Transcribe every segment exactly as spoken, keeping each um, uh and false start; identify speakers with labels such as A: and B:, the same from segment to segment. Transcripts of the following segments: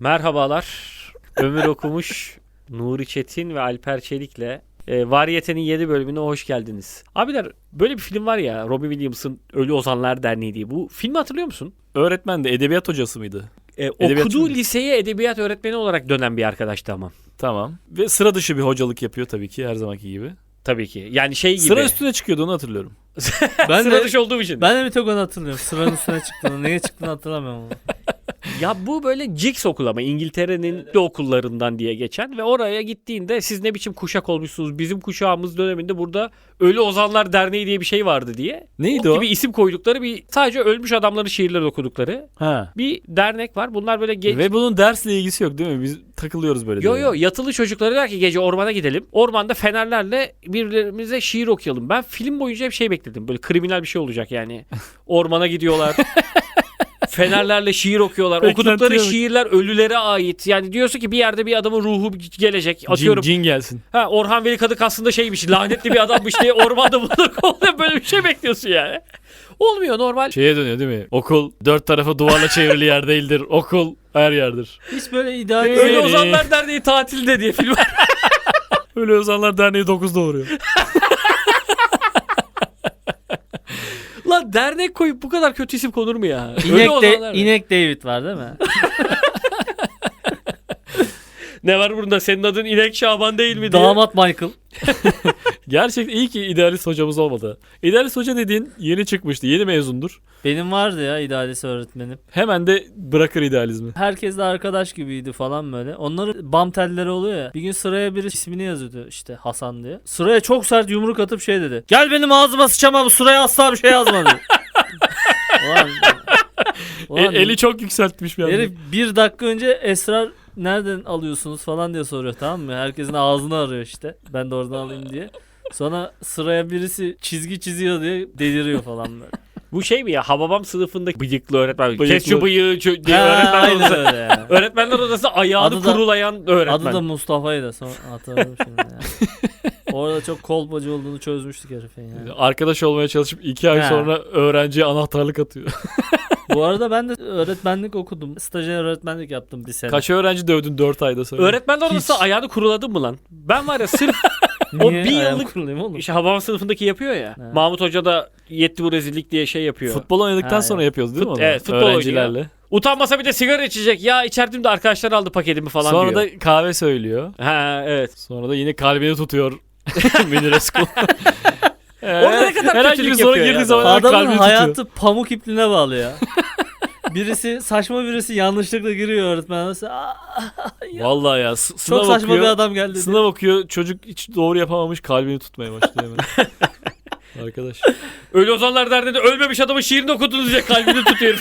A: Merhabalar. Ömür Okumuş, Nuri Çetin ve Alper Çelik'le e, Variyete'nin yeni bölümüne hoş geldiniz. Abiler, böyle bir film var ya, Robin Williams'ın Ölü Ozanlar Derneği diye. Bu filmi hatırlıyor musun?
B: Öğretmen de edebiyat hocası mıydı?
A: E,
B: Edebiyatçı
A: okuduğu
B: mı?
A: liseye edebiyat öğretmeni olarak dönen bir arkadaştı ama.
B: Tamam. Ve sıra dışı bir hocalık yapıyor tabii ki her zamanki gibi.
A: Tabii ki. Yani şey gibi.
B: Sıra üstüne çıkıyordu, onu hatırlıyorum.
C: Ben
A: Sıra
C: de,
A: dışı olduğum için.
C: ben de bir tek onu hatırlıyorum. Sıranın üstüne çıktığını. Neye çıktığını hatırlamıyorum ama.
A: Ya bu böyle Jigs okulu ama İngiltere'nin de okullarından diye geçen ve oraya gittiğinde siz ne biçim kuşak olmuşsunuz, bizim kuşağımız döneminde burada Ölü Ozanlar Derneği diye bir şey vardı diye.
B: Neydi
A: o?
B: o?
A: Gibi isim koydukları, bir sadece ölmüş adamların şiirleri okudukları
B: Ha.
A: bir dernek var. Bunlar böyle geç...
B: Ve bunun dersle ilgisi yok değil mi? Biz takılıyoruz böyle.
A: Yo
B: diye.
A: yo yatılı çocukları der ki gece ormana gidelim. Ormanda fenerlerle birbirimize şiir okuyalım. Ben film boyunca hep şey bekledim. Böyle kriminal bir şey olacak yani. Ormana gidiyorlar. Fenerlerle şiir okuyorlar.
B: Beklentiye
A: Okudukları
B: bak.
A: şiirler ölülere ait. Yani diyorsun ki bir yerde bir adamın ruhu gelecek. Atıyorum.
B: Cin, cin gelsin.
A: Ha, Orhan Veli Kadık aslında şeymiş, lanetli bir adammış diye ormanda bunları kovalıyor. Böyle bir şey bekliyorsun yani. Olmuyor normal.
B: Şeye dönüyor değil mi? Okul dört tarafı duvarla çevrili yer değildir. Okul her yerdir.
C: Hiç böyle ideal
A: Öyle
B: Öyle.
A: Ozanlar Derneği tatilde diye film var.
B: Öyle Ozanlar Derneği dokuzda uğruyor.
A: Lan dernek koyup bu kadar kötü isim konur mu ya? Öyle
C: İnek,
A: Ozanlar
C: de,
A: Derneği.
C: İnek David var değil mi?
A: Ne var bunda? Senin adın İnek Şaban değil mi diye.
C: Damat Michael.
B: Gerçekten iyi ki idealist hocamız olmadı. İdealist hoca dediğin yeni çıkmıştı. Yeni mezundur.
C: Benim vardı ya idealist öğretmenim.
B: Hemen de bırakır idealizmi.
C: Herkesle arkadaş gibiydi falan böyle. Onların bam telleri oluyor ya. Bir gün sıraya biri ismini yazıyordu işte Hasan diye. Sıraya çok sert yumruk atıp şey dedi. Gel benim ağzıma sıçama, bu sıraya asla bir şey yazma dedi. Ulan, ulan,
B: E, eli çok yükseltmiş bir anda.
C: herif bir dakika önce esrar nereden alıyorsunuz falan diye soruyor, tamam mı? Herkesin ağzını arıyor işte. Ben de oradan alayım diye. Sonra sıraya birisi çizgi çiziyor diye deliriyor falan böyle.
A: Bu şey mi ya? Hababam sınıfındaki bıyıklı öğretmen.
B: Bıyıklı.
A: Kes şu bıyığı çö- diye
C: Ha,
A: öğretmen
C: aynen
A: odası.
C: öyle ya.
A: Öğretmenler odası ayağını
C: Adı da-
A: kurulayan öğretmen.
C: Adı da Mustafa'ydı. Sonra hatırladım şimdi ya. Orada çok kolpacı olduğunu çözmüştük herifin ya.
B: Arkadaş olmaya çalışıp iki ay
C: Ha.
B: sonra öğrenciye anahtarlık atıyor.
C: Bu arada ben de öğretmenlik okudum. Stajyer öğretmenlik yaptım bir sene.
B: Kaç öğrenci dövdün dört ayda sonra?
A: Öğretmenler odası
C: Hiç.
A: ayağını kuruladın mı lan? Ben var ya sırf o
C: Niye?
A: bir
C: Ayağım
A: yıllık
C: kurulayım oğlum.
A: işte Hababam sınıfındaki yapıyor ya.
C: Ha.
A: Mahmut Hoca da yetti bu rezillik diye şey yapıyor.
B: Futbol oynadıktan
C: Ha,
B: sonra
C: evet.
B: yapıyoruz değil mi
A: Fut-
B: onu?
A: evet, futbol
B: Öğrencilerle.
A: Utanmasa bir de sigara içecek. Ya içerdim de arkadaşlar aldı paketimi falan
B: Sonra
A: diyor.
B: da kahve söylüyor.
A: Ha evet.
B: Sonra da yine kalbini tutuyor. Münir Eskul.
A: Orada ne kadar
B: herhangi
A: kötülük
B: bir soru
A: yapıyor ya
B: girdiği
A: adam.
B: zaman
C: Adamın
B: kalbini
C: hayatı
B: tutuyor.
C: pamuk ipliğine bağlı ya. Birisi saçma birisi yanlışlıkla giriyor öğretmen. Mesela, "Aa,
B: Vallahi ya. s- Sınav
C: çok saçma
B: okuyor,
C: bir adam geldi." diye.
B: Sınav okuyor. Çocuk hiç doğru yapamamış. Kalbini tutmaya başlıyor hemen. Arkadaş.
A: Ölü Ozanlar Derneği'nde ölmemiş adamın şiirini okudunuz diye kalbini tutuyor.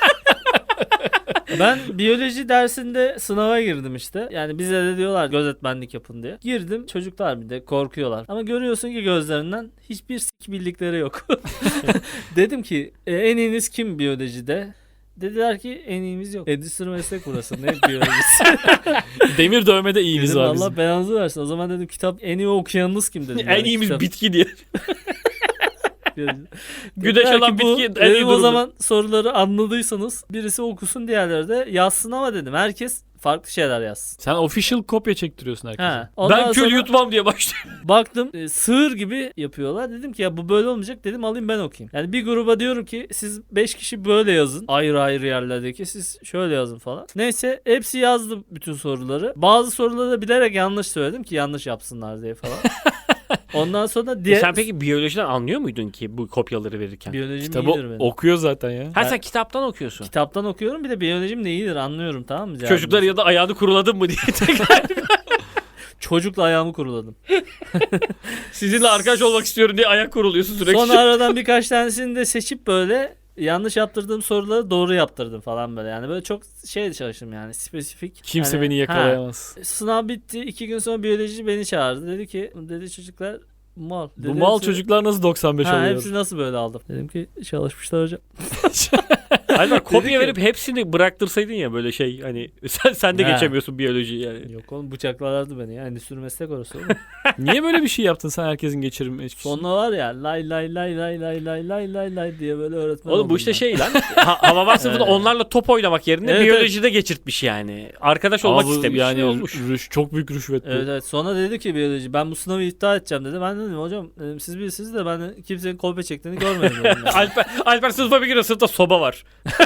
C: Ben biyoloji dersinde sınava girdim işte. Yani bize de diyorlar gözetmenlik yapın diye. Girdim, çocuklar bir de korkuyorlar. Ama görüyorsun ki gözlerinden hiçbir sik bildikleri yok. Dedim ki e, en iyiniz kim biyolojide? Dediler ki en iyimiz yok. Endüstri meslek burası. Ne biyolojisi?
B: Demir dövmede iyimiz
C: Dedim
B: var
C: Allah
B: bizim.
C: belanızı versin. O zaman dedim kitap en iyi okuyanınız kim dedim.
A: En
C: Yani
A: iyimiz
C: kitap-
A: bitki diye.
C: Dediler
A: Güneş
C: ki
A: alan
C: bu-
A: bitki en iyi
C: dedim o
A: durumda.
C: zaman soruları anladıysanız birisi okusun, diğerleri de yazsın ama dedim herkes farklı şeyler yazsın.
B: Sen official kopya çektiriyorsun herkese.
C: Ha. Ondan
A: Ben kül
C: sonra
A: yutmam diye başlıyor.
C: baktım e, sığır gibi yapıyorlar. Dedim ki ya bu böyle olmayacak, dedim alayım ben okuyayım. Yani bir gruba diyorum ki siz beş kişi böyle yazın. Ayrı ayrı yerlerdeki siz şöyle yazın falan. Neyse hepsi yazdı bütün soruları. Bazı soruları da bilerek yanlış söyledim ki yanlış yapsınlar diye falan. Ondan sonra diğer...
A: E sen peki biyolojiden anlıyor muydun ki bu kopyaları verirken?
C: Biyolojim
B: Kitabı
C: iyidir benim.
B: okuyor zaten ya.
A: Ha sen kitaptan okuyorsun.
C: Kitaptan okuyorum, bir de biyolojim de iyidir, anlıyorum, tamam mı?
A: Çocuklar ya da ayağını kuruladın mı diye tekrar.
C: Çocukla ayağımı kuruladım.
A: Sizinle arkadaş olmak istiyorum diye ayak kuruluyorsun sürekli.
C: Sonra aradan birkaç tanesini de seçip böyle yanlış yaptırdığım soruları doğru yaptırdım falan böyle. Yani böyle çok şey çalıştım yani, spesifik.
B: Kimse
C: Hani,
B: beni
C: ha,
B: yakalayamaz.
C: sınav bitti. iki gün sonra biyoloji beni çağırdı. Dedi ki, dedi çocuklar mal.
B: Bu
C: Dedi,
B: mal
C: hepsi-
B: çocuklar nasıl doksan beş
C: ha,
B: oluyor?
C: hepsi nasıl böyle aldım? Dedim ki çalışmışlar hocam.
A: Alper kopya
C: ki-
A: verip hepsini bıraktırsaydın ya böyle şey hani sen, sen de
C: Ha.
A: geçemiyorsun biyolojiyi yani.
C: Yok oğlum bıçaklarlardı beni ya. Endüstri meslek orası oğlum.
B: Niye böyle bir şey yaptın sen herkesin geçirim?
C: Sonra var ya lay lay lay lay lay lay lay lay lay diye böyle öğretmen
A: Oğlum
C: oldum
A: bu işte
C: ben.
A: şey lan. Ha, Havavar sınıfında
C: Evet.
A: onlarla top oynamak yerine
C: Evet,
A: biyolojide geçirtmiş yani. Arkadaş olmak
B: Ama bu
A: istemiş.
B: yani
A: ne olmuş?
B: rüş, çok büyük rüşvet bu.
C: Evet evet. Sonra dedi ki biyoloji ben bu sınavı iptal edeceğim dedi. Ben dedim hocam dedim, siz bilirsiniz de ben de kimsenin kopya çektiğini görmedim. dedim yani.
A: Alper, Alper sınıfa bir giriyor, sınıfta soba var.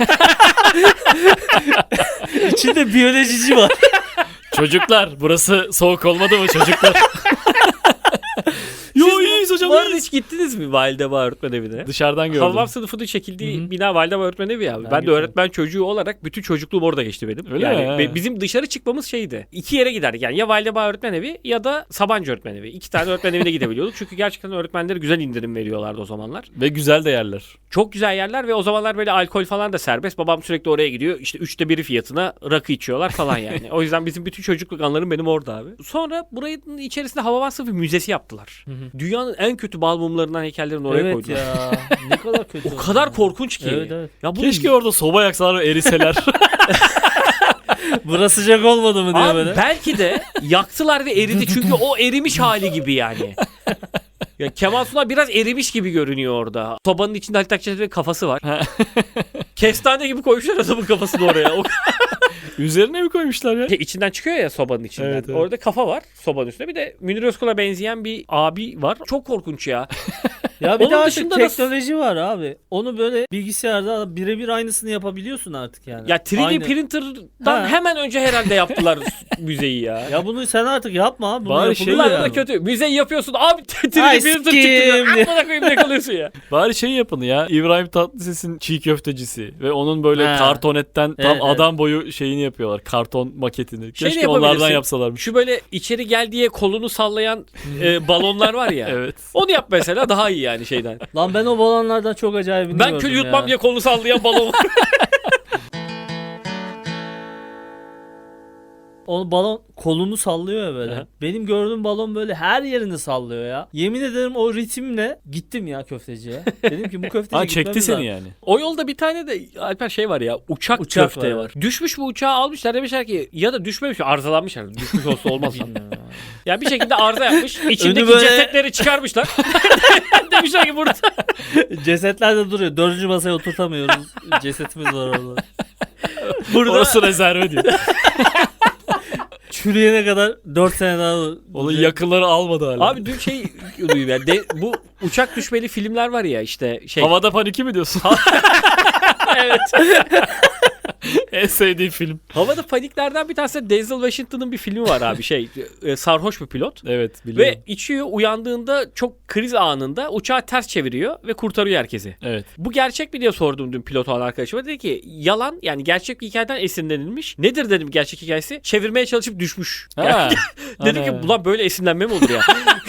C: İçinde biyolojici var.
B: Çocuklar burası soğuk olmadı mı çocuklar? Yo iyiyiz hocam
A: Bu arada
B: iyiyiz.
A: hiç gittiniz mi Validebağ Öğretmen Evi'ne?
B: Dışarıdan gördüm.
A: Havavar sınıfının çekildiği
C: Hı hı.
A: bina Validebağ Öğretmen Evi ya. Ben,
C: Ben
A: de
C: gitmedim.
A: öğretmen çocuğu olarak bütün çocukluğum orada geçti benim.
B: Öyle
A: yani
B: mi?
A: be- bizim dışarı çıkmamız şeydi. İki yere giderdik yani ya Validebağ Öğretmen Evi ya da Sabancı Öğretmen Evi. İki tane öğretmen evine gidebiliyorduk. Çünkü gerçekten öğretmenlere güzel indirim veriyorlardı o zamanlar.
B: Ve güzel de yerler.
A: Çok güzel yerler ve o zamanlar böyle alkol falan da serbest. Babam sürekli oraya gidiyor. İşte üçte biri fiyatına rakı içiyorlar falan yani. O yüzden bizim bütün çocukluk anılarım benim orada abi. Sonra buranın içerisinde Havavar Sınıfı Müzesi yaptılar. Dünyanın en kötü bal mumlarından heykellerini oraya
C: evet
A: koydular.
C: ya. Ne kadar kötü.
A: O kadar korkunç ki.
C: Evet evet.
A: Ya bunu
B: Keşke orada soba yaksalar ve eriseler.
C: Burası sıcak olmadı mı diye
A: Abi
C: böyle.
A: belki de yaktılar ve eridi çünkü o erimiş hali gibi yani. Ya Kemal Sunal biraz erimiş gibi görünüyor orada. Sobanın içinde Halit Akçatepe'nin kafası var. Kestane gibi koymuşlar adamın kafasını oraya. O
B: Üzerine mi koymuşlar ya?
A: şey, içinden çıkıyor ya sobanın içinden.
B: Evet, evet.
A: Orada kafa var sobanın üstünde. Bir de Münir Özkul'a benzeyen bir abi var. Çok korkunç ya.
C: Ya bir
A: Onun
C: de artık
A: dışında da-
C: teknoloji var abi. Onu böyle bilgisayarda birebir aynısını yapabiliyorsun artık yani.
A: Ya üç D
C: Aynı.
A: printer'dan
C: Ha.
A: hemen önce herhalde yaptılar müzeyi ya.
C: Ya bunu sen artık yapma abi. Bunu
B: Bari
C: yapılıyor
B: şey
A: Bunlar
C: yani.
A: da kötü. Müzeyi yapıyorsun. Abi üç D
C: Ay,
A: printer çıktı.
C: sikim.
A: Amına koyayım ne kalıyorsun ya.
B: Bari şey yapın ya. İbrahim Tatlıses'in çiğ köftecisi ve onun böyle
C: Ha.
B: kartonetten tam
C: Evet, evet.
B: adam boyu şeyini yapıyorlar. Karton maketini.
A: Şey de
B: Keşke
A: yapabilirsin.
B: onlardan yapsalarmış.
A: Şu böyle içeri gel diye kolunu sallayan e, balonlar var ya.
B: Evet.
A: Onu yap mesela daha iyi yani şeyden.
C: Lan ben o balonlardan çok acayibini
A: Ben
C: gördüm
A: kül yutmam
C: ya.
A: diye kolunu sallayan balon var.
C: O balon kolunu sallıyor ya böyle.
A: Aha.
C: Benim gördüğüm balon böyle her yerini sallıyor ya. Yemin ederim o ritimle gittim ya köfteciye. Dedim ki bu köfteci
B: Ha çekti
C: gitmemiz
B: seni
C: lazım.
B: yani.
A: O yolda bir tane de Alper şey var ya uçak,
C: Uçak
A: köfte
C: var.
A: var. Düşmüş bu uçağı almışlar demişler ki ya da düşmemiş arızalanmışlar. Düşmüş olsa olmaz.
C: Bilmiyorum abi.
A: Ya bir şekilde arıza yapmış. İçindeki
C: böyle-
A: cesetleri çıkarmışlar. Demişler ki burada.
C: Cesetler de duruyor. Dördüncü masaya oturtamıyoruz. Cesetimiz var orada.
A: Burada
B: Orası rezerve diyor.
C: Çürüyene kadar dört sene daha
B: Onun yakınları almadı hala.
A: abi dün şey duyuyorum ya. De, bu uçak düşmeli filmler var ya işte şey.
B: Havada Paniki mi diyorsun?
A: Evet.
B: En sevdiğim film.
A: Havada paniklerden bir tanesi de Denzel Washington'ın bir filmi var abi şey e, sarhoş bir pilot.
B: Evet biliyorum.
A: Ve içiyor uyandığında çok kriz anında uçağı ters çeviriyor ve kurtarıyor herkesi.
B: Evet.
A: Bu gerçek mi diye sordum dün pilot olan arkadaşıma. Dedi ki yalan yani gerçek bir hikayeden esinlenilmiş. Nedir dedim gerçek hikayesi? Çevirmeye çalışıp düşmüş.
B: Ha.
A: Dedim ki
B: Ana.
A: ulan böyle esinlenme mi olur ya?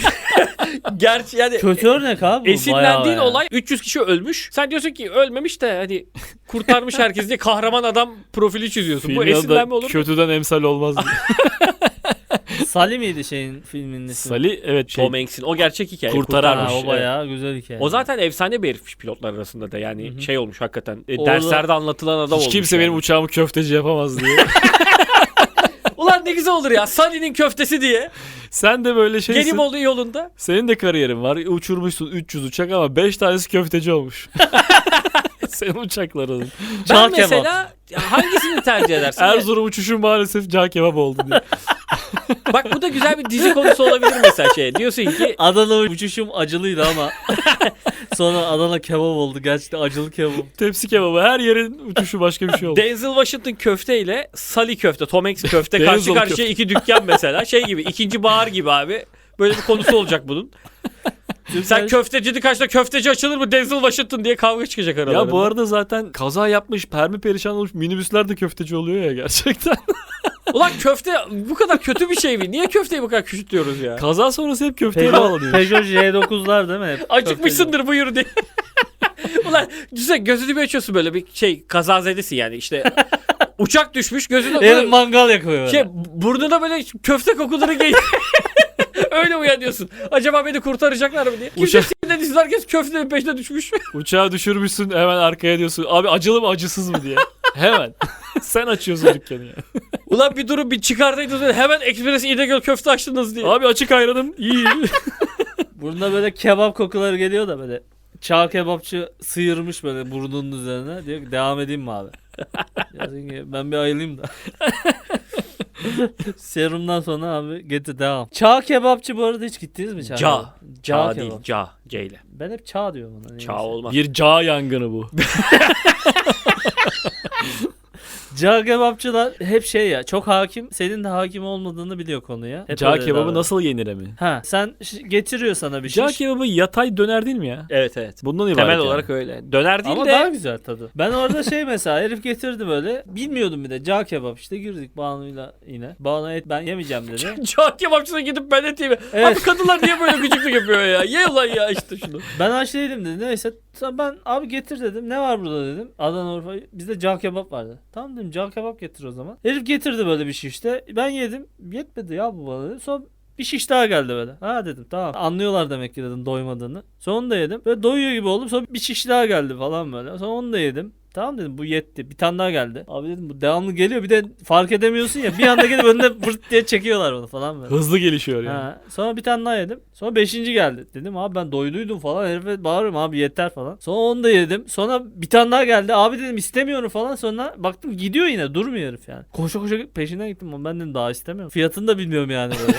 A: Gerçi yani
C: Kötü örnek abi bu.
A: esinlendiğin
C: bayağı
A: olay üç yüz kişi ölmüş. Sen diyorsun ki ölmemiş de hani kurtarmış herkes diye kahraman adam profili çiziyorsun. Bu
B: Filmin adı
A: esinlenme olur mu?
B: kötüden emsal olmaz diye.
C: yani. Salih miydi şeyin filminin ismi?
B: Salih evet şey.
A: Tom Hanks'in o gerçek hikaye.
B: Kurtaran.
A: Kurtarmış.
C: Ha, o
B: Evet.
C: bayağı güzel hikaye.
A: O zaten efsane bir herifmiş pilotlar arasında da yani
C: Hı hı.
A: şey olmuş hakikaten. E,
C: Orada-
A: derslerde anlatılan adam
B: Hiç
A: olmuş.
B: kimse
A: yani.
B: benim uçağımı köfteci yapamaz diye.
A: Ulan ne güzel olur ya Sally'nin köftesi diye.
B: Sen de böyle şeysin.
A: Gelim olduğu yolunda.
B: Senin de kariyerin var. Uçurmuşsun üç yüz uçak ama beş tanesi köfteci olmuş. Senin uçakların.
A: Ben
C: Çağ kebap.
A: mesela hangisini tercih edersin?
B: Erzurum uçuşu maalesef cağ kebap oldu diye.
A: Bak bu da güzel bir dizi konusu olabilir mesela şey. Diyorsun ki
C: Adana uçuşum acılıydı ama sonra Adana kebap oldu. Gerçekten acılı kebap.
B: Tepsi kebabı her yerin uçuşu başka bir şey oldu.
A: Denzel Washington köfte ile Sally köfte, Tom Hanks köfte karşı
B: Denzel
A: karşıya
B: köfte.
A: iki dükkan mesela. Şey gibi ikinci bahar gibi abi. Böyle bir konusu olacak bunun. Sen köftecinin karşısında köfteci açılır mı Denzel Washington diye kavga çıkacak aralarında.
B: Ya bu arada zaten kaza yapmış, permi perişan olmuş minibüsler de köfteci oluyor ya gerçekten.
A: Ulan köfte bu kadar kötü bir şey mi? Niye köfteyi bu kadar küçültüyoruz ya?
B: Kaza sonrası hep köfteye
C: Peugeot,
B: bağlanıyor.
C: Peugeot J dokuzlar değil mi? Hep
A: Acıkmışsındır buyur diye. Ulan güzel gözünü bir açıyorsun böyle bir şey kazazedesin yani işte uçak düşmüş gözünü
C: köfteci.
A: böyle
C: El mangal yakıyor böyle.
A: şey burnuna böyle köfte kokuları geliyor. Öyle uyanıyorsun. Acaba beni kurtaracaklar mı diye. Kimse
B: Uçak-
A: sinirden izin, herkes köftenin peşine düşmüş.
B: Uçağı düşürmüşsün, hemen arkaya diyorsun. Abi acılı mı acısız mı diye. Hemen. Sen açıyorsun dükkanı ya.
A: Ulan bir durum bir çıkardaydınız. Hemen Ekspres İnegöl köfte açtınız diye.
B: Abi açık ayranım iyi.
C: Burnuna böyle kebap kokuları geliyor da böyle. Çağ kebapçı sıyırmış böyle burnunun üzerine. Diyor ki devam edeyim mi abi? Diyorsun ki ben bir ayılayım da. Serumdan sonra abi getir devam. Çağ kebapçı bu arada hiç gittiniz mi Çağ?
A: Ca.
C: kebap?
A: Ca
C: kebap.
A: değil. Ca. C ile.
C: Ben hep çağ diyorum ona. neyse.
A: Ça olmaz.
B: Bir cağ yangını bu.
C: Cağ kebapçılar hep şey ya çok hakim. Senin de hakim olmadığını biliyor konuya. Hep
B: Cağ
C: öyle
B: kebabı
C: davranıyor.
B: nasıl yenir mi?
C: Ha sen ş- getiriyor sana bir
B: Cağ
C: şey.
B: kebabı yatay döner değil mi ya?
A: Evet evet.
B: Bundan ibaret
A: Temel
B: yani.
A: olarak öyle. Döner değil
C: Ama
A: de
C: daha güzel tadı. Ben orada şey mesela herif getirdi böyle. Bilmiyordum bir de cağ kebap işte girdik Banu'yla yine. Banu et ben yemeyeceğim dedi.
A: Ca kebapçısına gidip ben et yeme.
C: Evet.
A: Abi kadınlar niye böyle gıcıklık yapıyor ya? Ye ulan ya işte şunu.
C: Ben aç değilim dedi. Neyse sonra ben abi getir dedim. Ne var burada dedim. Adana Urfa bizde cağ kebap vardı. Tamam dedim cağ kebap getir o zaman. Herif getirdi böyle bir şey işte. Ben yedim. Yetmedi ya bu bana dedi. Sonra bir şiş daha geldi böyle. Ha dedim tamam. Anlıyorlar demek ki dedim doymadığını. Sonra onu da yedim. Böyle doyuyor gibi oldum. Sonra bir şiş daha geldi falan böyle. Sonra onu da yedim. Tamam dedim bu yetti. Bir tane daha geldi. Abi dedim bu devamlı geliyor. Bir de fark edemiyorsun ya. Bir anda gelip önüne vırt diye çekiyorlar onu falan böyle.
B: Hızlı gelişiyor yani.
C: Ha, sonra bir tane daha yedim. Sonra beşinci geldi. Dedim abi ben doyduydum falan. Herife bağırıyorum abi yeter falan. Sonra onu da yedim. Sonra bir tane daha geldi. Abi dedim istemiyorum falan. Sonra baktım gidiyor yine. Durmuyor herif yani. Koşa koşa peşinden gittim. Ama ben dedim daha istemiyorum. Fiyatını da bilmiyorum yani böyle.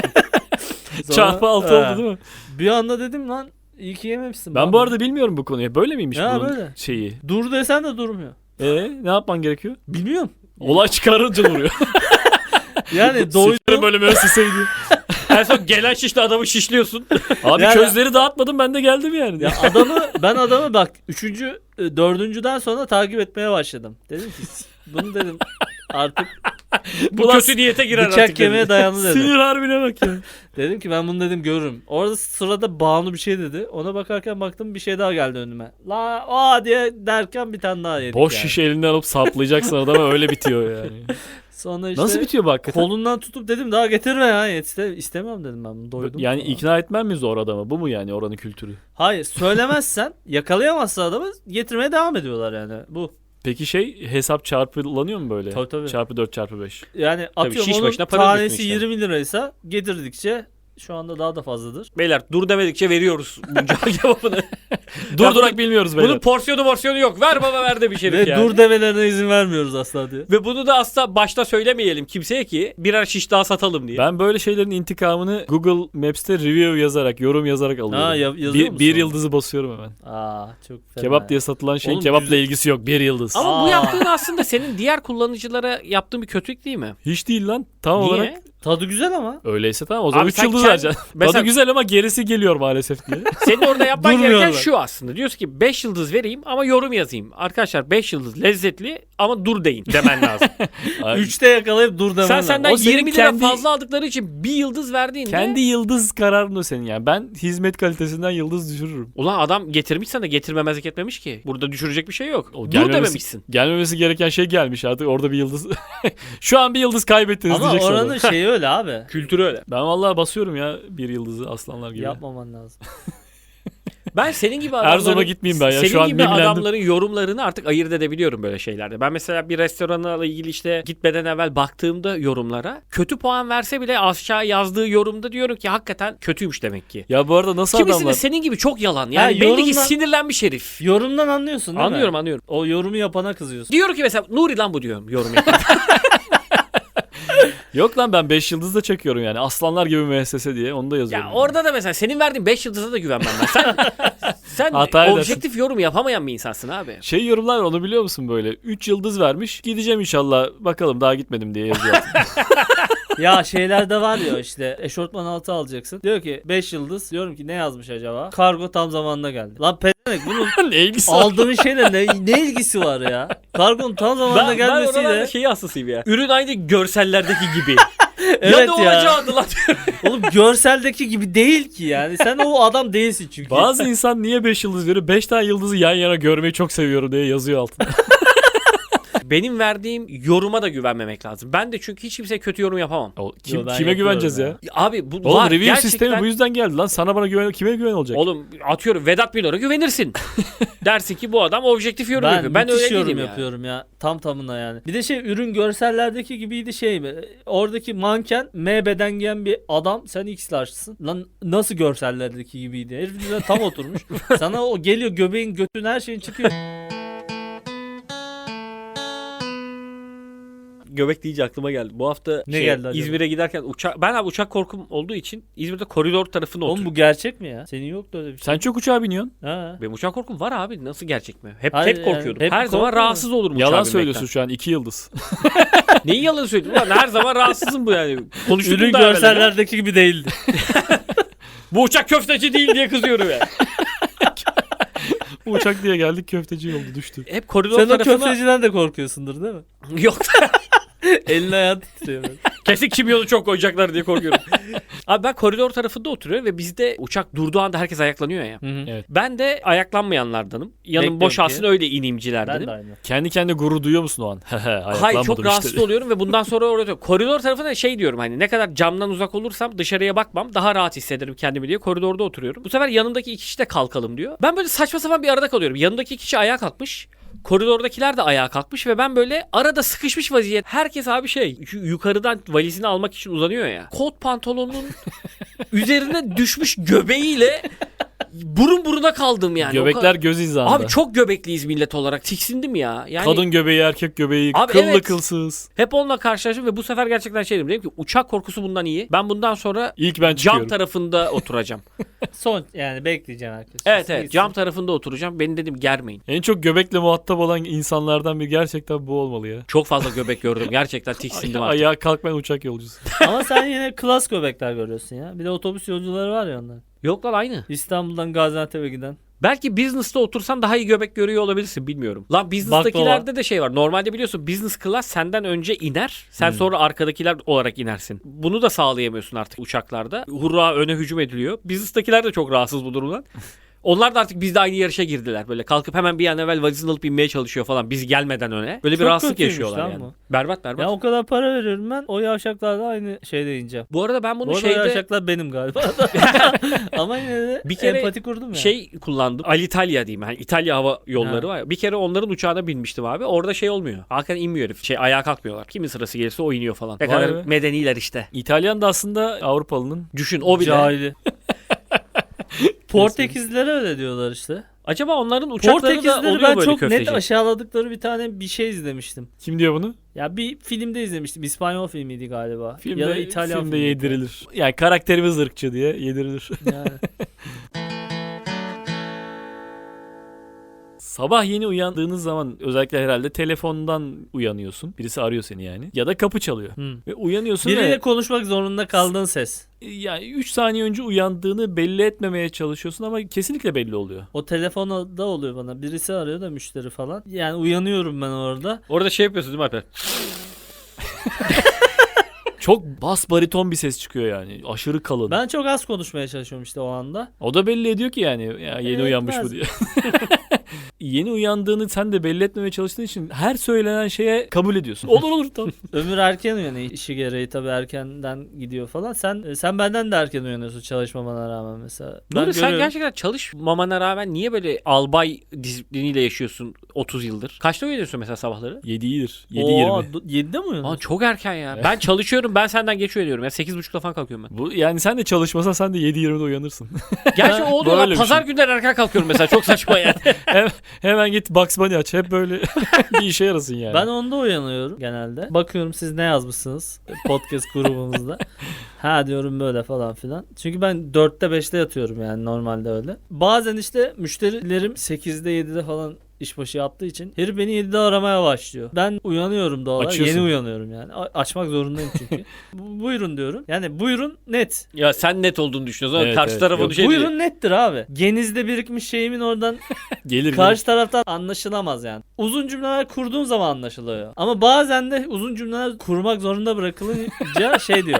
C: Sonra-
B: Çarpı altı
C: He.
B: oldu değil mi?
C: Bir anda dedim lan iyi ki yememişsin.
B: Ben
C: bana.
B: bu arada bilmiyorum bu konuyu. Böyle miymiş
C: Ya
B: bunun
C: böyle.
B: şeyi?
C: Dur desen de durmuyor.
B: E ne yapman gerekiyor?
C: Bilmiyorum.
B: Olay çıkarınca duruyor.
C: Yani
B: Sıçrı
C: doydum.
B: bölümü öseseydi.
A: En son gelen şişle adamı şişliyorsun.
B: Abi
C: Yani-
B: közleri dağıtmadım ben de geldim yani.
C: Ya adamı ben adamı bak üçüncü e, dördüncüden sonra takip etmeye başladım. Dedim ki bunu dedim artık
A: Bu
B: Ulan
A: kötü niyete girer
C: bıçak
A: artık.
C: kemiğe dayandı dedim.
B: Sinir harbine bak ya.
C: Dedim ki ben bunu dedim görürüm. Orada sırada Banu bir şey dedi. Ona bakarken baktım bir şey daha geldi önüme. La aa diye derken bir tane daha yedik
B: Boş
C: yani.
B: şiş elinden alıp saplayacaksın adama öyle bitiyor yani.
C: Sonra işte
B: Nasıl bitiyor bu hakikaten?
C: kolundan tutup dedim daha getirme ya. İste, istemiyorum dedim ben bunu doydum.
B: Yani
C: falan.
B: ikna etmen mi zor adamı? Bu mu yani oranın kültürü?
C: Hayır söylemezsen yakalayamazsa adamı getirmeye devam ediyorlar yani. Bu.
B: Peki şey hesap çarpılanıyor mu böyle?
C: Tabii, tabii.
B: Çarpı dört çarpı beş.
C: Yani atıyorum
A: şiş
C: onun
A: başına para
C: tanesi
A: ödüyorsun işte.
C: yirmi liraysa getirdikçe şu anda daha da fazladır.
A: Beyler dur demedikçe veriyoruz bu ca kebabını.
B: Durdurak bilmiyoruz böyle.
A: Bunun porsiyonu morsiyonu yok. Ver baba ver de bir şey
C: Ve
A: yani.
C: dur demelerine izin vermiyoruz asla diye.
A: Ve bunu da asla başta söylemeyelim kimseye ki birer şiş daha satalım diye.
B: Ben böyle şeylerin intikamını Google Maps'te review yazarak, yorum yazarak alıyorum.
C: Ha, ya- yazıyor
B: bir,
C: musun
B: bir
C: onu?
B: yıldızı basıyorum hemen.
C: Aa çok fena.
B: Kebap
C: ya.
B: diye satılan şeyin
C: Oğlum,
B: kebapla
C: güzel-
B: ilgisi yok. Bir yıldız.
A: Ama bu
C: Aa.
A: yaptığın aslında senin diğer kullanıcılara yaptığın bir kötülük değil mi?
B: Hiç değil lan. Tam
A: Niye?
B: olarak
C: Tadı güzel ama.
B: öyleyse tamam. O zaman
A: Abi
B: üç
A: sen
B: yıldız
A: kend-
B: vereceksin.
A: Mesela-
B: Tadı güzel ama gerisi geliyor maalesef diye.
A: Senin orada yapman gereken
C: Durmuyorlar.
A: şu aslında. Diyorsun ki beş yıldız vereyim ama yorum yazayım. Arkadaşlar beş yıldız lezzetli ama dur deyin demen lazım.
B: Ay,
C: Üçte yakalayıp dur demen
A: Sen
C: lazım.
A: senden
B: O senin
A: yirmi lira
B: kendi-
A: fazla aldıkları için bir yıldız verdiğinde
B: kendi yıldız kararın o senin yani. Ben hizmet kalitesinden yıldız düşürürüm.
A: ulan adam getirmiş sana getirmemezlik etmemiş ki. Burada düşürecek bir şey yok.
B: O
A: Dur
B: gelmemesi-
A: dememişsin.
B: Gelmemesi gereken şey gelmiş artık. Orada bir yıldız. Şu an bir yıldız kaybettiniz
C: Ama
B: diyeceksin.
C: oranın
B: orada.
C: şeyi öyle abi.
A: Kültürü öyle.
B: Ben vallahi basıyorum ya bir yıldızı aslanlar gibi.
C: Yapmaman lazım.
A: Ben senin gibi adamların
B: Erzurum'a gitmeyeyim ben ya,
A: senin
B: şu an
A: gibi
B: mimlendim.
A: adamların yorumlarını artık ayırt edebiliyorum böyle şeylerde. Ben mesela bir restoranla ilgili işte gitmeden evvel baktığımda yorumlara kötü puan verse bile aşağı yazdığı yorumda diyorum ki hakikaten kötüymüş demek ki.
B: Ya bu arada nasıl
A: Kimisi
B: adamlar?
A: de senin gibi çok yalan. Yani
C: Ha,
A: belli ki
C: yorumla-
A: sinirlenmiş herif.
C: Yorumdan anlıyorsun değil
A: Anlıyorum
C: mi?
A: anlıyorum.
C: O yorumu yapana kızıyorsun.
A: Diyorum ki mesela Nuri lan bu diyorum yorum yapan.
B: Yok lan ben beş yıldız da çekiyorum yani. Aslanlar gibi müessese diye onu da yazıyorum.
A: Ya
B: yani.
A: orada da mesela senin verdiğin beş yıldıza da güvenmem ben. Sen, sen
B: Hata edersin.
A: objektif yorum yapamayan bir insansın abi.
B: Şey yorumlar var, onu biliyor musun böyle? üç yıldız vermiş. Gideceğim inşallah. Bakalım daha gitmedim diye yazıyor.
C: Ya şeylerde var ya işte eşortman altı alacaksın. Diyor ki beş yıldız. Diyorum ki ne yazmış acaba? Kargo tam zamanında geldi. Lan pedenek bunun
B: ne ilgisi var?
C: aldığın şeyle ne, ne ilgisi var ya? Kargonun tam zamanında
A: Ben, ben oralarda
C: gelmesiyle.
A: şeyi hastasıyım ya. Ürün aynı görsellerdeki gibi.
C: Evet
A: ya
C: ya.
A: ne olacağı lan diyorum.
C: Oğlum görseldeki gibi değil ki yani. Sen o adam değilsin çünkü.
B: Bazı insan niye beş yıldız veriyor? beş tane yıldızı yan yana görmeyi çok seviyorum diye yazıyor altına.
A: benim verdiğim yoruma da güvenmemek lazım. Ben de çünkü hiç kimseye kötü yorum yapamam.
B: O, kim,
C: Yo, ben
B: kime
C: yapıyorum
B: güveneceğiz ya?
C: ya.
A: Abi bu
B: Oğlum
A: var.
B: review
A: Gerçekten...
B: sistemi bu yüzden geldi lan. Sana bana güven, kime güven olacak?
A: Oğlum atıyorum Vedat Milor'a güvenirsin. Dersin ki bu adam objektif yorum
C: Ben,
A: yapıyor. Ben
C: müthiş
A: öyle
C: yorum
A: değilim ya.
C: yapıyorum ya. Tam tamına yani. Bir de şey ürün görsellerdeki gibiydi şey mi? Oradaki manken M beden giyen bir adam. Sen X large'sın. Lan nasıl görsellerdeki gibiydi? Herif bize tam oturmuş. Sana o geliyor göbeğin götün her şeyin çıkıyor.
A: Göbek deyince aklıma geldi. Bu hafta
C: Ne
A: şey,
C: geldi acaba?
A: İzmir'e giderken uçak ben abi uçak korkum olduğu için İzmir'de koridor tarafında
C: Oğlum
A: oturuyorum.
C: bu gerçek mi ya? Senin yoktu öyle bir şey.
B: Sen çok uçağa biniyorsun.
C: Ha.
A: Benim uçak korkum var abi. Nasıl gerçek mi? Hep
C: Hayır,
A: hep
C: yani
A: korkuyordum.
C: hep
A: Her zaman
C: korkmuyor
A: rahatsız olurum uçağa
B: Yalan
A: binmekten.
B: söylüyorsun şu an. iki yıldız.
A: Neyi yalan söylüyorsun? Ulan her zaman rahatsızım bu yani. Konuştuk
C: Ürün
A: da evvel ya.
C: görsellerdeki gibi değildi.
A: Bu uçak köfteci değil diye kızıyorum ya.
B: Bu uçak diye geldik, köfteci oldu, düştü.
A: Hep koridor
C: Sen o
A: tarafına...
C: köfteciden de korkuyorsundur değil mi?
A: Yok.
C: Elin ayağın titriyor böyle.
A: Kesin kimyonu çok koyacaklar diye korkuyorum. Abi ben koridor tarafında oturuyorum ve bizde uçak durduğu anda herkes ayaklanıyor ya.
C: Hı hı.
B: Evet.
A: Ben de ayaklanmayanlardanım. Yanım
C: Bekliyorum
A: boşalsın
C: ki.
A: öyle
C: Ben
A: inimcilerdenim.
C: de aynı.
B: Kendi kendine gurur duyuyor musun o an?
A: Hayır çok rahatsız
B: işte.
A: oluyorum ve bundan sonra orada koridor tarafına şey diyorum hani ne kadar camdan uzak olursam dışarıya bakmam daha rahat hissederim kendimi diye koridorda oturuyorum. Bu sefer yanımdaki iki kişi de kalkalım diyor. Ben böyle saçma sapan bir arada kalıyorum. Yanımdaki kişi ayağa kalkmış. Koridordakiler de ayağa kalkmış ve ben böyle arada sıkışmış vaziyet. Herkes abi şey şu yukarıdan valizini almak için uzanıyor ya. Kot pantolonun üzerine düşmüş göbeğiyle burun buruna kaldım yani. O
B: Göbekler
A: ka-
B: göz hizasında.
A: Abi çok göbekliyiz millet olarak. Tiksindim ya. Yani
B: Kadın göbeği, erkek göbeği,
A: Abi
B: kıllı
A: evet.
B: kılsız.
A: hep onunla karşılaştım ve bu sefer gerçekten şey dedim. Dedim ki uçak korkusu bundan iyi. Ben bundan sonra
B: İlk ben
A: cam
B: çıkıyorum.
A: tarafında oturacağım.
C: Son yani bekleyeceğim herkes.
A: evet evet
C: Gitsin.
A: cam tarafında oturacağım. Beni dedim germeyin.
B: En çok göbekle muhatap olan insanlardan biri gerçekten bu olmalı ya.
A: Çok fazla göbek gördüm. Gerçekten tiksindim
B: Ay-
A: artık.
B: Ayağa kalkmayan uçak yolcusu.
C: Ama sen yine klas göbekler görüyorsun ya. Bir de otobüs yolcuları var ya onlar.
A: Yok lan aynı.
C: İstanbul'dan Gaziantep'e giden.
A: Belki business'ta otursan daha iyi göbek görüyor olabilirsin bilmiyorum. Lan business'takilerde de şey var. Normalde biliyorsun business class senden önce iner. Sen
B: Hmm.
A: sonra arkadakiler olarak inersin. Bunu da sağlayamıyorsun artık uçaklarda. Hurra öne hücum ediliyor. Business'takiler de çok rahatsız bu durumdan. Onlar da artık bizde aynı yarışa girdiler. Böyle kalkıp hemen bir an evvel valizini alıp inmeye çalışıyor falan. Biz gelmeden öne. Böyle bir
C: Çok
A: rahatsızlık
C: kötüymüş
A: yaşıyorlar
C: lan
A: yani.
C: bu.
A: Berbat berbat.
C: Ya o kadar para veriyorum ben. O yavşaklar da aynı şeyde ineceğim.
A: Bu arada ben bunu
C: Bu arada
A: şeyde
C: yavşaklar benim galiba. Ama yine de
A: Bir kere
C: empati kurdum ya.
A: şey kullandım. Alitalia diyeyim. Yani İtalya hava yolları
C: Ha.
A: var ya. Bir kere onların uçağına binmiştim abi. Orada şey olmuyor. Hakikaten inmiyor herif. Şey ayağa kalkmıyorlar. Kimin sırası gelirse o iniyor falan. Ne
B: Vay
A: kadar
B: be.
A: medeniler işte.
B: İtalyan da aslında Avrupalı'nın.
A: Düşün o bile.
C: Cahili. Portekizlilere öyle diyorlar işte.
A: Acaba onların uçakları da
C: Portekizlileri
A: oluyor
C: ben
A: böyle
C: çok
A: köfteci.
C: net aşağıladıkları bir tane bir şey izlemiştim.
B: Kim diyor bunu?
C: Ya bir filmde izlemiştim. İspanyol filmiydi galiba.
B: Filmde,
C: ya da İtalyan
B: filmde
C: filmiydi.
B: yedirilir. Yani karakterimiz ırkçı diye yedirilir.
C: Yani.
B: Sabah yeni uyandığınız zaman özellikle herhalde telefondan uyanıyorsun. Birisi arıyor seni yani. Ya da kapı çalıyor.
C: Hı.
B: Ve uyanıyorsun
C: Biriyle
B: ve
C: konuşmak zorunda kaldığın ses.
B: yani üç saniye önce uyandığını belli etmemeye çalışıyorsun ama kesinlikle belli oluyor.
C: O telefonda oluyor bana. Birisi arıyor da müşteri falan. Yani uyanıyorum ben orada.
A: Orada şey yapıyorsun değil mi Alper?
B: Çok bas bariton bir ses çıkıyor yani. Aşırı kalın.
C: Ben çok az konuşmaya çalışıyorum işte o anda.
B: O da belli ediyor ki yani ya yeni
C: Evet,
B: uyanmış
C: biraz.
B: bu diye. Yeni uyandığını sen de belli etmemeye çalıştığın için her söylenen şeye kabul ediyorsun. Olur olur tamam.
C: Ömür erken uyanıyor. İşi gereği tabii erkenden gidiyor falan. Sen sen benden de erken uyanıyorsun çalışmamana rağmen mesela. Ben
A: Nuri sen
C: görüyorum.
A: gerçekten çalışmamana rağmen niye böyle albay disipliniyle yaşıyorsun otuz yıldır? Kaçta uyanıyorsun mesela sabahları?
B: yedi iyidir. yedi
C: Oo,
B: yirmi.
C: do- yedide mi uyanıyorsun?
A: Aa, çok erken ya. Ben çalışıyorum ben senden geç uyanıyorum. Ya sekiz buçukta falan kalkıyorum ben.
B: Bu yani sen de çalışmasan sen de yedi yirmide uyanırsın.
A: Gerçi o oluyor
B: Böyle
A: lan.
B: bir
A: Pazar
B: şey.
A: günleri erken kalkıyorum mesela. Çok saçma yani.
B: Hem, hemen git Bugs Bunny aç. Hep böyle bir işe yarasın yani.
C: Ben onda uyanıyorum genelde. Bakıyorum siz ne yazmışsınız podcast grubumuzda. Ha diyorum böyle falan filan. Çünkü ben dörtte beşte yatıyorum yani normalde öyle. Bazen işte müşterilerim sekizde yedide falan işbaşı yaptığı için herif beni yedide aramaya başlıyor. Ben uyanıyorum doğal olarak.
B: Açıyorsun.
C: Yeni uyanıyorum yani. A- açmak zorundayım çünkü. Bu- buyurun diyorum. Yani buyurun net.
A: Ya sen net olduğunu düşünüyorsun ama
B: Evet,
A: karşı
B: evet.
A: taraf
B: Yok,
A: onu şey
C: buyurun
A: diyor.
C: nettir abi. Genizde birikmiş şeyimin oradan
B: gelir
C: karşı taraftan anlaşılamaz yani. Uzun cümleler kurduğun zaman anlaşılıyor. Ama bazen de uzun cümleler kurmak zorunda bırakılınca şey diyor.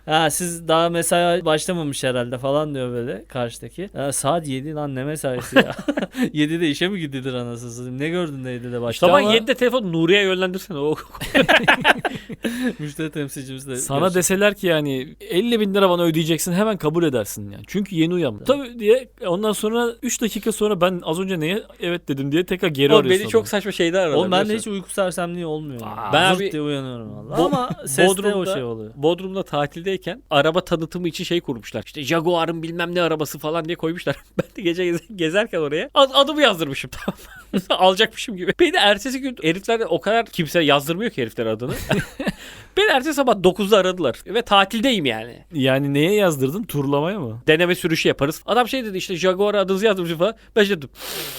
C: Ha siz daha mesai başlamamış herhalde falan diyor böyle karşıdaki. Ya, saat yedi lan ne mesaisi ya. yedide işe mi gidilir anasını satayım? Ne gördün de yedide başta
A: Sabah
C: ama
A: yedide telefon Nuriye'ye yönlendirsene. O
C: müşteri temsilcimiz de
B: Sana
C: görüşürüz.
B: deseler ki yani elli bin lira bana ödeyeceksin, hemen kabul edersin yani. Çünkü yeni uyandım. Tabii diye ondan sonra üç dakika sonra ben az önce neye evet dedim diye tekrar geri
A: o
B: arıyorsun.
A: beni çok
B: adamı.
A: saçma şeyler aradı.
C: Oğlum ben de hiç
A: biliyorsun.
C: uyku sersemliği olmuyor. yani.
A: Aa, ben
C: Zırt
A: abi-
C: diye uyanıyorum valla.
A: Bo-
C: Ama seste o
A: Bodrum'da-
C: şey oluyor.
A: Bodrum'da tatildeyken araba tanıtımı için şey kurmuşlar. İşte Jaguar'ın bilmem ne arabası falan diye koymuşlar. Ben de gece gez- gezerken oraya ad- adımı yazdırmışım tamam mı? Alacakmışım gibi. Beni ertesi gün herifler de o kadar kimse yazdırmıyor ki herifler adını. Beni ertesi sabah dokuzda aradılar. Ve tatildeyim yani.
B: Yani neye yazdırdın? Turlamaya mı?
A: Deneme sürüşü yaparız. Adam şey dedi işte Jaguar'a adınızı yazdırmışım falan. Ben şey dedim.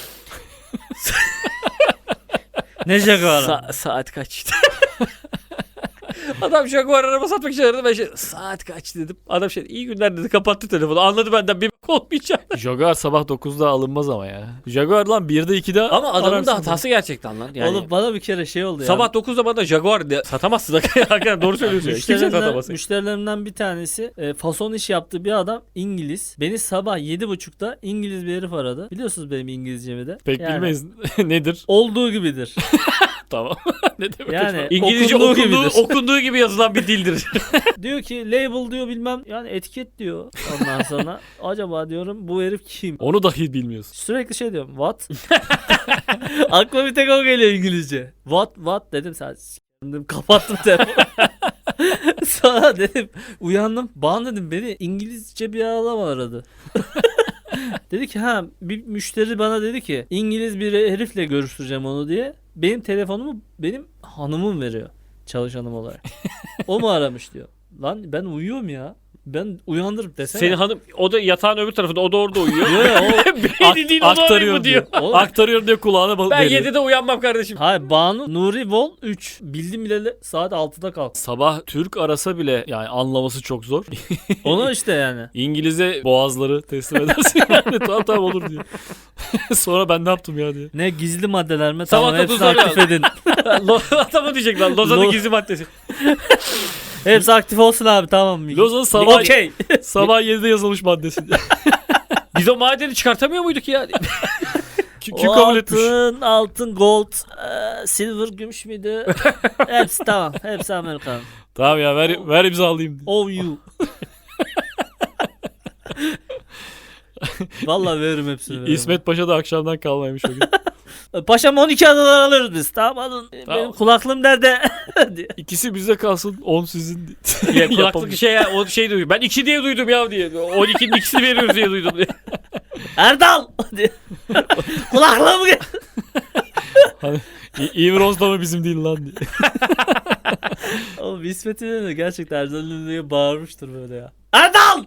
C: Ne Jaguar?
A: Sa- saat kaç? Adam Jaguar araba satmak için aradı. Ben şey saat kaç dedim. Adam şey iyi günler dedi kapattı telefonu. Anladı benden bir bak olmayacak.
B: Jaguar sabah dokuzda alınmaz ama ya. Jaguar lan birde ikide
A: Ama adamın
B: ararsın.
A: da hatası gerçekten lan. Yani
C: Oğlum bana bir kere şey oldu ya.
A: sabah dokuzda bana Jaguar de, satamazsın. Hakikaten doğru söylüyorsun. ya. Kimse
C: Müşterilerimden,
A: satamaz.
C: müşterilerimden bir tanesi e, fason iş yaptığı bir adam İngiliz. Beni sabah yedi buçukta İngiliz bir herif aradı. Biliyorsunuz benim İngilizcemi de.
B: Pek
C: Yani
B: bilmeyiz nedir.
C: Olduğu gibidir.
B: Tamam. ne demek?
C: Yani
A: İngilizce
C: okunduğu
A: okunduğu,
C: gibidir.
A: okunduğu gibi yazılan bir dildir.
C: Diyor ki label diyor bilmem yani etiket diyor. Ondan sonra acaba diyorum bu herif kim?
B: Onu dahi bilmiyorsun.
C: Sürekli şey diyorum what? Aklıma bir tek o geliyor İngilizce. What what dedim sadece. Dedim, kapattım telefonu. Sonra dedim uyandım. Bana dedim beni İngilizce bir adam aradı. Dedi ki ha bir müşteri bana dedi ki İngiliz bir herifle görüştüreceğim onu diye. Benim telefonumu benim hanımım veriyor çalışanım olarak. O mu aramış diyor. Lan ben uyuyorum ya. Ben uyandırıp desene.
A: Senin hanım o da yatağın öbür tarafında o da orada uyuyor.
C: Yo, o-
A: Beni değil o da orayı
B: Aktarıyor
A: mı diyor.
B: diyor.
C: Oğlum-
B: Aktarıyor diyor kulağına bal-
A: Ben
B: veriyor.
A: yedide uyanmam kardeşim.
C: Hayır Banu Nuri Vol üç. Bildim bileli saat altıda kalk.
B: Sabah Türk arasa bile yani anlaması çok zor.
C: Onu işte yani.
B: İngiliz'e boğazları teslim edersin yani. Tamam tamam olur diyor. Sonra ben ne yaptım ya diye.
C: Ne gizli maddeler mi?
A: Sabah
C: Tamam hepsini
A: dokuzda
C: aktif edin.
A: Lo- Adamı diyecek lan. Lozan'ın
C: Lo-
A: gizli maddesi.
C: Hepsi aktif olsun abi tamam.
B: Lozan sabah,
C: Okey.
B: sabah yedide yazılmış maddesi.
A: Biz o madeni çıkartamıyor muyduk ya?
B: Kim, kim kabul etmiş?
C: Altın, altın, gold, e, silver, gümüş müydü? Hepsi tamam. Hepsi Amerikan.
B: Tamam ya ver, ver imzalayayım.
C: O you. Vallahi veririm hepsini. veririm.
B: İsmet Paşa da akşamdan kalmaymış o gün.
C: Paşam on iki adalar alırız biz. Tamam alın.
B: Tamam.
C: Benim kulaklığım nerede? diye.
B: İkisi bizde kalsın, on sizin.
A: Ya, kulaklık
B: Yapamayız.
A: şey ya, o şey duydum. Ben iki diye duydum ya diye. on ikinin ikisini veriyoruz diye duydum diye.
C: Erdal! diye. Kulaklığım gel.
B: Hani İ- İmroz da mı bizim değil lan diye.
C: Oğlum İsmet'in de gerçekten Erdal'ın diye bağırmıştır böyle ya. Erdal!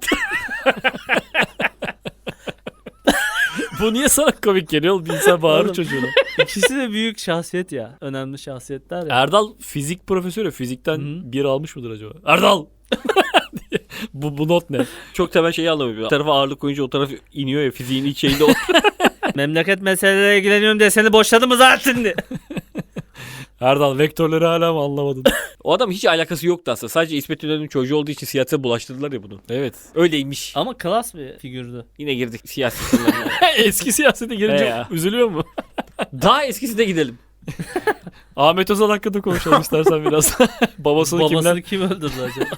B: Bu niye sana komik geliyor oğlum? Bir insan bağırır
C: Oğlum.
B: çocuğuna.
C: İkisi de büyük şahsiyet ya. Önemli şahsiyetler ya.
B: Erdal fizik profesörü. Fizikten
C: Hı.
B: bir almış mıdır acaba? Erdal! diye. bu, bu not ne?
A: Çok temel şeyi anlamıyorum. Bir tarafa ağırlık koyunca o taraf iniyor ya fiziğin ilk şeyinde. O...
C: Memleket meseleleriyle ilgileniyorum diye seni boşladı mı zaten diye.
B: Erdal vektörleri hala mı anlamadın?
A: o adam hiç alakası yoktu aslında. Sadece İsmet İnönü'nün çocuğu olduğu için siyasete bulaştırdılar ya bunu.
B: Evet.
A: Öyleymiş.
C: Ama klas bir figürdü.
A: Yine girdik siyasi konularına.
B: Eski siyasete girince
A: He ya.
B: üzülüyor mu?
A: Daha eskisine gidelim.
B: Ahmet Özal hakkında konuşalım istersen biraz. Babasını,
C: Babasını
B: kimler?
C: kim öldürdü acaba?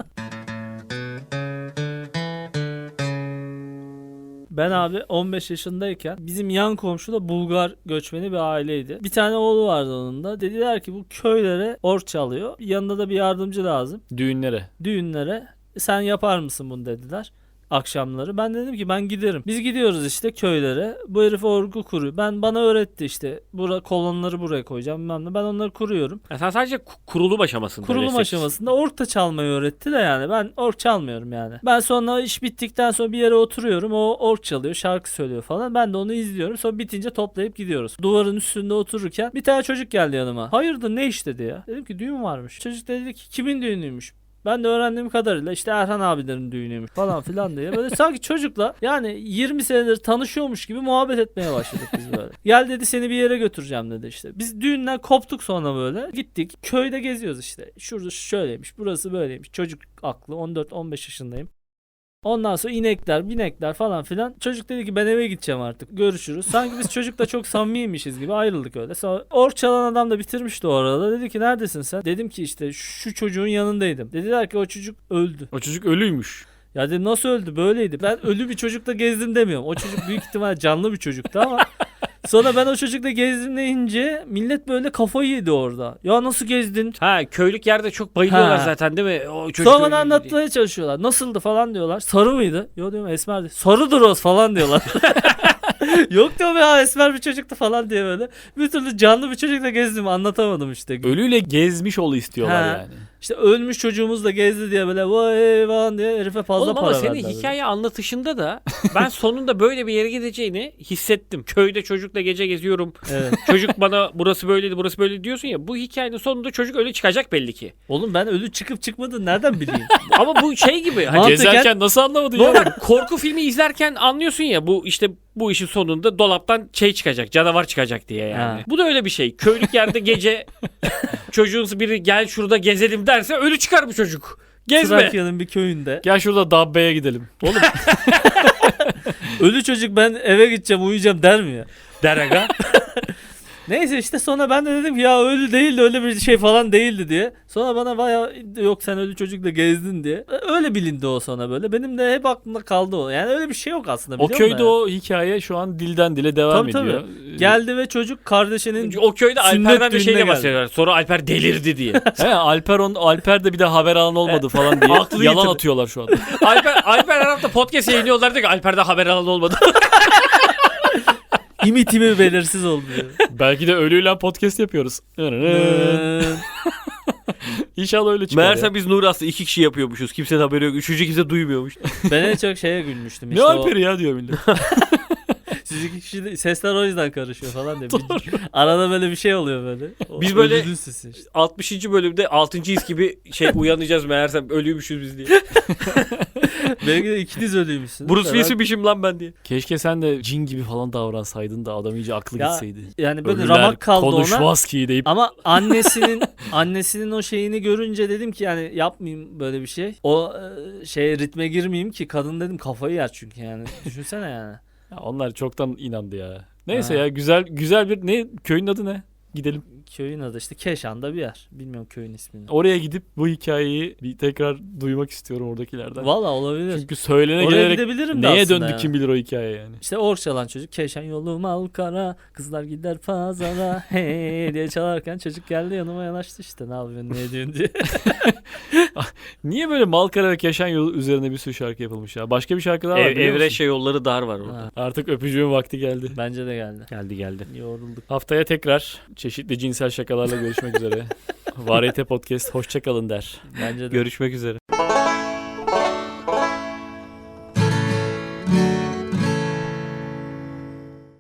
C: Ben abi on beş yaşındayken bizim yan komşu da Bulgar göçmeni bir aileydi. Bir tane oğlu vardı onun da. Dediler ki bu köylere ork çalıyor. Yanında da bir yardımcı lazım.
B: Düğünlere.
C: Düğünlere sen yapar mısın bunu dediler. Akşamları. Ben dedim ki ben giderim. Biz gidiyoruz işte köylere. Bu herif orgu kuruyor. Ben bana öğretti işte. Bura, kolonları buraya koyacağım. Bilmem ne. Ben onları kuruyorum.
A: Ya sen sadece ku- kurulum aşamasında.
C: Kurulum
A: destek-
C: aşamasında ork da çalmayı öğretti de yani. Ben ork çalmıyorum yani. Ben sonra iş bittikten sonra bir yere oturuyorum. O ork çalıyor, şarkı söylüyor falan. Ben de onu izliyorum. Sonra bitince toplayıp gidiyoruz. Duvarın üstünde otururken bir tane çocuk geldi yanıma. Hayırdır ne iş dedi ya. Dedim ki düğün varmış. Çocuk dedi ki kimin düğünüymüş? Ben de öğrendiğim kadarıyla işte Erhan abilerin düğünüymüş falan filan diye. Böyle sanki çocukla yani yirmi senedir tanışıyormuş gibi muhabbet etmeye başladık biz böyle. Gel dedi seni bir yere götüreceğim dedi işte. Biz düğünden koptuk sonra böyle. Gittik köyde geziyoruz işte. Şurada şöyleymiş burası böyleymiş. Çocuk aklı on dört on beş yaşındayım. Ondan sonra inekler, binekler falan filan. Çocuk dedi ki ben eve gideceğim artık. Görüşürüz. Sanki biz çocukla çok samimiymişiz gibi ayrıldık öyle. Sonra ork çalan adam da bitirmişti o arada. Dedi ki neredesin sen? Dedim ki işte şu çocuğun yanındaydım. Dediler ki o çocuk öldü.
B: O çocuk ölüymüş.
C: Ya dedim nasıl öldü? Böyleydi. Ben ölü bir çocukla gezdim demiyorum. O çocuk büyük ihtimal canlı bir çocuktu ama sonra ben o çocukla gezdim deyince millet böyle kafayı yedi orada. Ya nasıl gezdin?
A: Ha, köylük yerde çok bayılıyorlar
C: Ha.
A: zaten değil mi? O çocuk
C: Sonra
A: öyle
C: bana
A: diye.
C: anlatmaya çalışıyorlar. Nasıldı falan diyorlar. Sarı mıydı? Yok diyorum esmerdi. Sarıdır o falan diyorlar. Yok diyorum ya esmer bir çocuktu falan diye böyle. Bir türlü canlı bir çocukla gezdim anlatamadım işte.
B: Ölüyle gezmiş ol istiyorlar
C: Ha.
B: yani.
C: İşte ölmüş çocuğumuz da gezdi diye böyle vay falan diye herife fazla
A: Oğlum
C: para
A: ama senin
C: verdiler böyle.
A: hikaye anlatışında da ben sonunda böyle bir yere gideceğini hissettim. Köyde çocukla gece geziyorum.
C: Evet.
A: Çocuk bana burası böyleydi burası böyle diyorsun ya. Bu hikayenin sonunda çocuk öyle çıkacak belli ki.
C: Oğlum ben ölü çıkıp çıkmadığını nereden bileyim?
A: Ama bu şey gibi. Hani
C: Mantıken-
B: Gezerken nasıl anlamadın ya?
A: normal korku filmi izlerken anlıyorsun ya bu işte bu işin sonunda dolaptan şey çıkacak, canavar çıkacak diye yani.
C: Ha.
A: Bu da öyle bir şey. Köylük yerde gece çocuğun biri gel şurada gezelim derse ölü çıkar bu çocuk. Gezme.
C: Trakya'nın bir köyünde.
B: Gel şurada Dabbe'ye gidelim.
C: Oğlum ölü çocuk ben eve gideceğim uyuyacağım der mi ya?
A: Deraga.
C: Neyse işte sonra ben de dedim ki ya ölü değildi öyle bir şey falan değildi diye. Sonra bana baya yok sen ölü çocukla gezdin diye. Öyle bilindi o sonra böyle. Benim de hep aklımda kaldı o. Yani öyle bir şey yok aslında
B: O
C: biliyor
B: köyde
C: musun?
B: o hikaye şu an dilden dile devam
C: Tabii,
B: ediyor.
C: Geldi ve çocuk kardeşinin
A: O köyde
C: Sünnet
A: Alper'den de
C: düğününe
A: şeyle
C: geldi.
A: bahsediyorlar. Sonra Alper delirdi diye.
B: He, Alper on Alper de bir de haber alan olmadı falan diye
A: Aklı
B: yalan
A: yitirdi.
B: atıyorlar şu an.
A: Alper, Alper her hafta podcast yayınlıyorlardı ki Alper'den haber alan olmadı.
C: imi timi belirsiz oldu diyor.
B: Belki de ölüyle podcast yapıyoruz. İnşallah öyle çıkar.
A: Meğerse
B: ya.
A: biz Nuri aslında iki kişi yapıyormuşuz. Kimsenin haberi yok. Üçüncü kimse duymuyormuş.
C: Ben en çok şeye gülmüştüm.
B: Ne
C: İşte o,
B: Alper'i ya diyor millet.
C: siz iki kişi de- sesler o yüzden karışıyor falan diye. Bir- arada böyle bir şey oluyor böyle. O
A: Biz böyle-
C: ölünün sesi işte.
A: altmışıncı bölümde altıncı his gibi şey uyanacağız meğerse ölüymüşüz biz diye.
C: Belki de ikiniz ölüymüşsünüz.
A: Bruce
C: Ben-
A: Willis'mişim lan ben diye.
B: Keşke sen de cin gibi falan davransaydın da adam iyice aklı
C: Ya,
B: gitseydi.
C: Yani böyle
B: Ölüler
C: ramak kaldı ona.
B: konuşmaz ki deyip
C: Ama annesinin annesinin o şeyini görünce dedim ki yani yapmayayım böyle bir şey. O e, şeye ritme girmeyeyim ki kadın dedim kafayı yer çünkü yani. Düşünsene yani.
B: ya onlar çoktan inandı ya. Neyse
C: Ha.
B: ya güzel güzel bir ne köyün adı ne? Gidelim.
C: Köyün adı işte Keşan'da bir yer. Bilmiyorum köyün ismini.
B: Oraya gidip bu hikayeyi bir tekrar duymak istiyorum oradakilerden.
C: Valla olabilir.
B: Çünkü söylene
C: Oraya
B: gelerek
C: gidebilirim de
B: neye
C: aslında
B: döndü
C: yani.
B: kim bilir o hikaye yani.
C: İşte ork çalan çocuk Keşan yolum Alkara kızlar gider pazara hey diye çalarken çocuk geldi yanıma yanaştı işte ne yapıyorsun ne ediyorsun diye.
B: Niye böyle Malkara ve Keşan yolu üzerine bir sürü şarkı yapılmış ya? Başka bir şarkı daha var
A: Ev,
B: biliyor musun?
A: Evreşe yolları dar var orada.
C: Ha,
B: Artık öpücüğün vakti geldi.
C: bence de geldi.
A: Geldi geldi.
C: Yorulduk.
B: Haftaya tekrar çeşitli cinsel şakalarla görüşmek üzere. Variyete Podcast hoşçakalın der.
C: Bence de.
A: Görüşmek üzere.